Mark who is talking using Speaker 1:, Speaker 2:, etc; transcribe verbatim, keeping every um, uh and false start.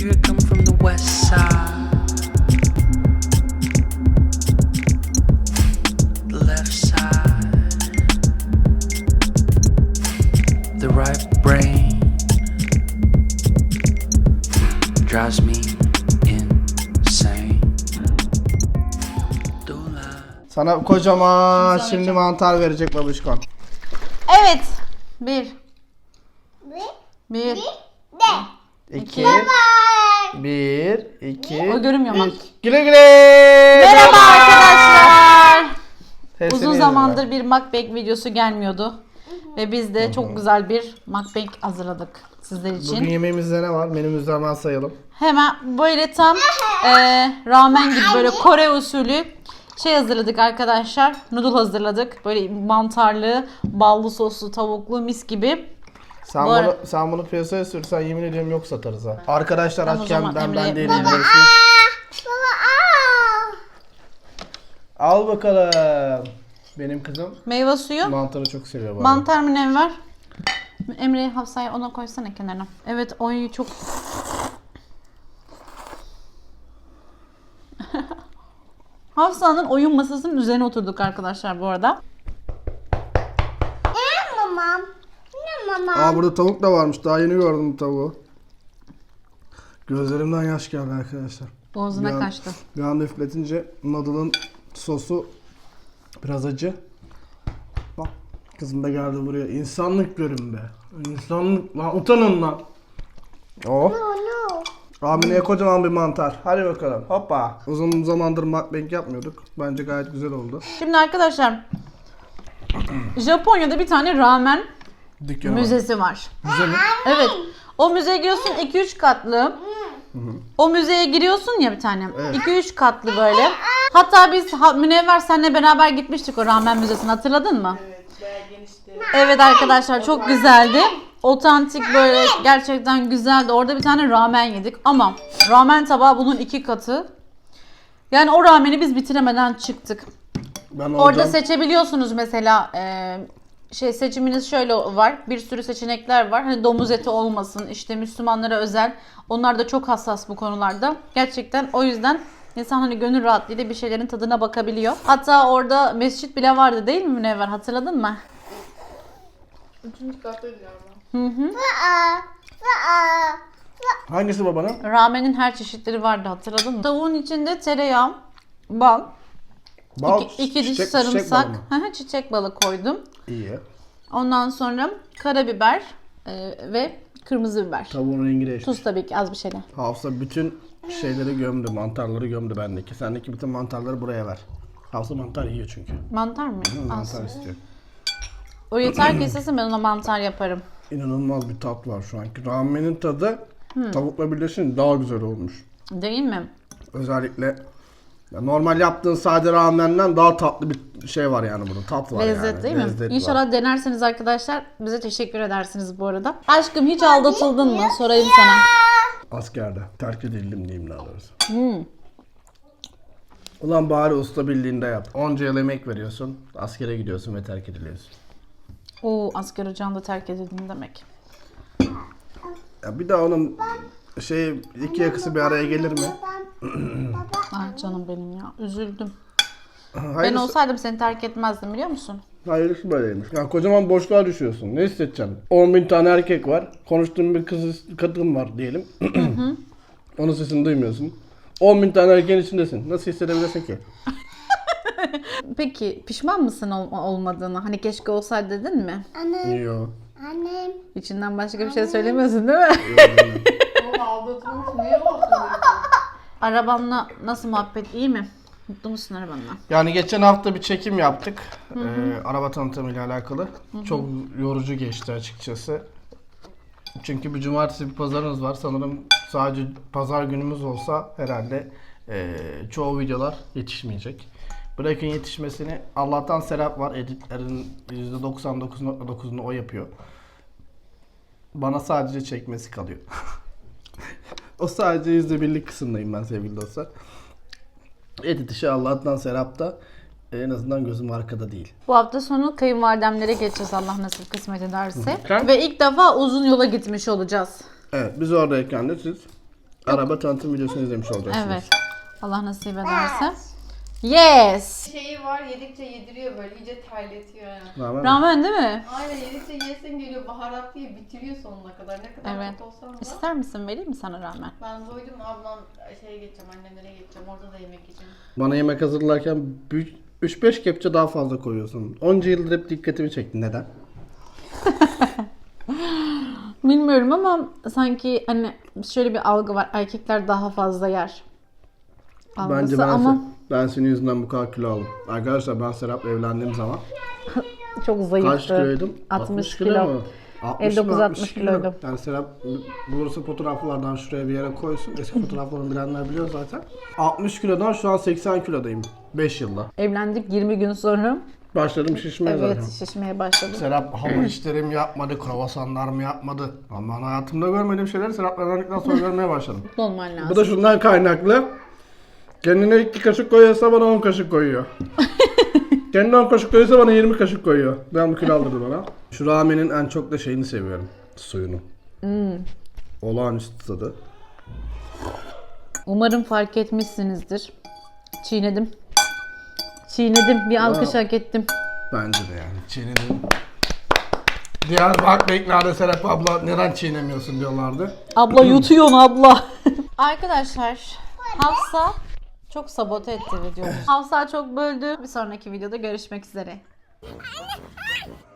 Speaker 1: Here I come from the west side, the left side, the right brain drives me insane. Don't lie.
Speaker 2: Sana kocaman şimdi mantar verecek babuşkon.
Speaker 3: Evet. Bir. Bir.
Speaker 4: De.
Speaker 2: İki. Bir, iki,
Speaker 3: O görünmüyor mu?
Speaker 2: üç. Güle güle.
Speaker 3: Merhaba arkadaşlar.
Speaker 2: Hepsini
Speaker 3: Uzun
Speaker 2: yedim
Speaker 3: zamandır bir mukbang videosu gelmiyordu. Ve biz de çok güzel bir mukbang hazırladık sizler
Speaker 2: ben.
Speaker 3: için.
Speaker 2: Bugün yemeğimizde ne var? Menümüzde hemen sayalım.
Speaker 3: Hemen böyle tam e, ramen gibi böyle Kore usulü şey hazırladık arkadaşlar. Noodle hazırladık. Böyle mantarlı, ballı soslu, tavuklu mis gibi.
Speaker 2: Sen
Speaker 3: Bu
Speaker 2: bunu,
Speaker 3: ara-
Speaker 2: sen bunu piyasaya sürsen yemin ediyorum yok satarız ha. Arkadaşlar
Speaker 3: Tamam, o
Speaker 2: açken
Speaker 3: zaman
Speaker 2: ben
Speaker 3: Emre'ye-
Speaker 2: ben değilim.
Speaker 3: Baba.
Speaker 2: biliyorsunuz.
Speaker 4: Baba aa.
Speaker 2: Al bakalım. Benim kızım
Speaker 3: Meyve suyu.
Speaker 2: mantarı çok seviyor bu arada.
Speaker 3: Mantar münevver. Emre'ye Hafsa'ya ona koysana kenarına. Evet oy çok... Hafsa'nın oyun masasının üzerine oturduk arkadaşlar bu arada.
Speaker 4: Ne mamam? Ne mamam?
Speaker 2: Aa burada tavuk da varmış. Daha yeni gördüm bu tavuğu. Gözlerimden yaş geldi arkadaşlar.
Speaker 3: Boğazına
Speaker 2: Bir an-
Speaker 3: kaçtı.
Speaker 2: Bir anda üfletince noodle'ın sosu biraz acı. Bak kızım da geldi buraya. İnsanlık görün be. İnsanlık lan utanın lan. Oh.
Speaker 4: No no.
Speaker 2: Amine'ye kocaman bir mantar. Hadi bakalım. Hoppa. Uzun zamandır mukbang yapmıyorduk. Bence gayet güzel oldu.
Speaker 3: Şimdi arkadaşlar Japonya'da bir tane ramen
Speaker 2: Dükkanı var.
Speaker 3: müzesi var.
Speaker 2: Müze mi?
Speaker 3: Evet. O müzeye giriyorsun iki üç katlı. O müzeye giriyorsun ya bir tane. iki üç katlı böyle. Hatta biz ha, Münevver seninle beraber gitmiştik o ramen müzesine, hatırladın mı?
Speaker 5: Evet, bayağı genişti.
Speaker 3: Evet arkadaşlar çok güzeldi. Otantik böyle gerçekten güzeldi. Orada bir tane ramen yedik ama ramen tabağı bunun iki katı. Yani o rameni biz bitiremeden çıktık.
Speaker 2: Ben
Speaker 3: Orada
Speaker 2: olacağım.
Speaker 3: seçebiliyorsunuz mesela e, şey seçiminiz şöyle var. Bir sürü seçenekler var. Hani domuz eti olmasın, işte Müslümanlara özel. Onlar da çok hassas bu konularda. Gerçekten o yüzden insan hani gönül rahatlığıyla bir şeylerin tadına bakabiliyor. Hatta orada mescit bile vardı değil mi Münevver? Hatırladın mı?
Speaker 5: Üçüncü kattaydı galiba.
Speaker 3: Hı hı.
Speaker 4: Aa. Aa.
Speaker 2: Hangisi babanın?
Speaker 3: Ramenin her çeşitleri vardı, hatırladın mı? Tavuğun içinde tereyağı, bal,
Speaker 2: Bal,
Speaker 3: iki, iki diş
Speaker 2: çiçek- çiçek
Speaker 3: sarımsak,
Speaker 2: balı mı?
Speaker 3: hı hı, çiçek balı koydum.
Speaker 2: İyi.
Speaker 3: Ondan sonra karabiber e, ve kırmızı biber.
Speaker 2: Tavuğun rengi değişti.
Speaker 3: Tuz tabii ki az bir şeyler.
Speaker 2: Hafsa bütün şeyleri gömdü, mantarları gömdü bendeki. Sendeki bütün mantarları buraya ver. Hafsa mantar yiyor çünkü.
Speaker 3: Mantar mı?
Speaker 2: Hı,
Speaker 3: Az.
Speaker 2: mantar istiyor.
Speaker 3: O yeter ki istesin, ben ona mantar yaparım.
Speaker 2: İnanılmaz bir tat var şu anki. Ramenin tadı tavukla birleşince daha güzel olmuş.
Speaker 3: Değil mi?
Speaker 2: Özellikle ya normal yaptığın sade ramenden daha tatlı bir şey var yani burada. Tat var
Speaker 3: Lezzet
Speaker 2: yani.
Speaker 3: değil mi?
Speaker 2: Lezzet var.
Speaker 3: İnşallah denerseniz arkadaşlar bize teşekkür edersiniz bu arada. Aşkım hiç aldatıldın mı? Sorayım sana.
Speaker 2: Askerde. Terk edildim diyeyim daha doğrusu.
Speaker 3: Hmm.
Speaker 2: Ulan bari usta bildiğinde yap. Onca yıl emek veriyorsun. Askere gidiyorsun ve terk ediliyorsun.
Speaker 3: Oo, asker ocağında terk edildin demek.
Speaker 2: Ya bir daha onun şey iki yakası bir araya gelir mi?
Speaker 3: Ah canım benim ya. Üzüldüm. Ben
Speaker 2: Hayırlısı,
Speaker 3: olsaydım seni terk etmezdim, biliyor musun?
Speaker 2: hayırlısı böyleymiş. Ya kocaman boşluğa düşüyorsun. Ne hissedeceksin? on bin tane erkek var. Konuştuğun bir kız kadın var diyelim. Onun sesini duymuyorsun. on bin tane erkeğin içindesin. Nasıl hissedebilirsin ki?
Speaker 3: Peki pişman mısın ol- olmadığını? Hani keşke olsaydı dedin mi?
Speaker 4: Annem.
Speaker 2: Yok.
Speaker 4: Annem.
Speaker 3: İçinden başka bir şey söylemiyorsun değil mi?
Speaker 5: Oğlum aldatılmış, niye olsun diyorsun?
Speaker 3: Arabanla nasıl muhabbet, iyi mi? Mutlu musun arabanla?
Speaker 2: Yani geçen hafta bir çekim yaptık. Ee, araba tanıtımıyla alakalı. Çok yorucu geçti açıkçası. Çünkü bir cumartesi bir pazarınız var. Sanırım sadece pazar günümüz olsa herhalde ee, çoğu videolar yetişmeyecek. Bırakın yetişmesini. Allah'tan Serap var. Editlerin yüzde doksan dokuz nokta dokuzunu o yapıyor. Bana sadece çekmesi kalıyor. O sadece yüzde birlik kısımdayım ben sevgili dostlar. Edit işi Allah'tan Serap'ta. En azından gözüm arkada değil.
Speaker 3: Bu hafta sonu kayınvalidemlere geçeceğiz Allah nasip kısmet ederse.
Speaker 2: Hı.
Speaker 3: Ve ilk defa uzun yola gitmiş olacağız.
Speaker 2: Evet, biz oradayken de siz araba tanıtım videosunu izlemiş olacaksınız.
Speaker 3: Evet. Allah nasip ederse. Yes.
Speaker 5: Şeyi var, yedikçe yediriyor böyle, iyice terletiyor yani.
Speaker 2: Ramen mi?
Speaker 3: Ramen değil mi?
Speaker 5: Aynen, yedikçe yesin geliyor, baharat diye bitiriyor sonuna kadar. Ne kadar
Speaker 3: Evet.
Speaker 5: kötü olsam da.
Speaker 3: İster misin? Vereyim mi sana ramen?
Speaker 5: Ben doydum, ablam şeye geçeceğim, annemlere geçeceğim, orada da yemek yiyeceğim.
Speaker 2: Bana yemek hazırlarken üç beş kepçe daha fazla koyuyorsun. Onca yıldır hep dikkatimi çekti. Neden?
Speaker 3: Bilmiyorum ama sanki hani şöyle bir algı var. Erkekler daha fazla yer. Algısı
Speaker 2: Bence ben,
Speaker 3: ama
Speaker 2: ben senin yüzünden bu kadar kilo aldım. Arkadaşlar ben Serap'la evlendiğim zaman
Speaker 3: çok zayıftı.
Speaker 2: kaç kiloydum?
Speaker 3: altmış kilo.
Speaker 2: mu? altmış
Speaker 3: elli dokuz
Speaker 2: mı?
Speaker 3: altmış kiloydum.
Speaker 2: Yani Serap bulursa fotoğraflardan şuraya bir yere koysun. Eski fotoğraflarını bilenler biliyor zaten. altmış kilodan şu an seksen kilodayım. beş yılda.
Speaker 3: Evlendik yirmi gün sonra.
Speaker 2: Başladım şişmeye
Speaker 3: Evet,
Speaker 2: zaten.
Speaker 3: şişmeye başladım.
Speaker 2: Serap hamur işlerim yapmadı, kruvasanlar mı yapmadı. Ama ben hayatımda görmediğim şeyleri Serap'la evlendikten sonra görmeye başladım.
Speaker 3: Mutlu olman lazım.
Speaker 2: Bu da şundan kaynaklı. Kendine iki kaşık koyuyorsa bana on kaşık koyuyor. Kendine on kaşık koyuyorsa bana yirmi kaşık koyuyor. Ben bu kilo aldırdı bana. Şu ramenin en çok da şeyini seviyorum. Suyunu.
Speaker 3: Hmm.
Speaker 2: Olağanüstü tadı.
Speaker 3: Umarım fark etmişsinizdir. Çiğnedim. Çiğnedim. Bir alkış hak ettim.
Speaker 2: Bence de yani. Çiğnedim. Diğer bak beklerde Serap abla neden çiğnemiyorsun diyorlardı.
Speaker 3: Abla yutuyorsun abla. Arkadaşlar Hafsa çok sabote etti videomu. Hafsa çok böldü. Bir sonraki videoda görüşmek üzere.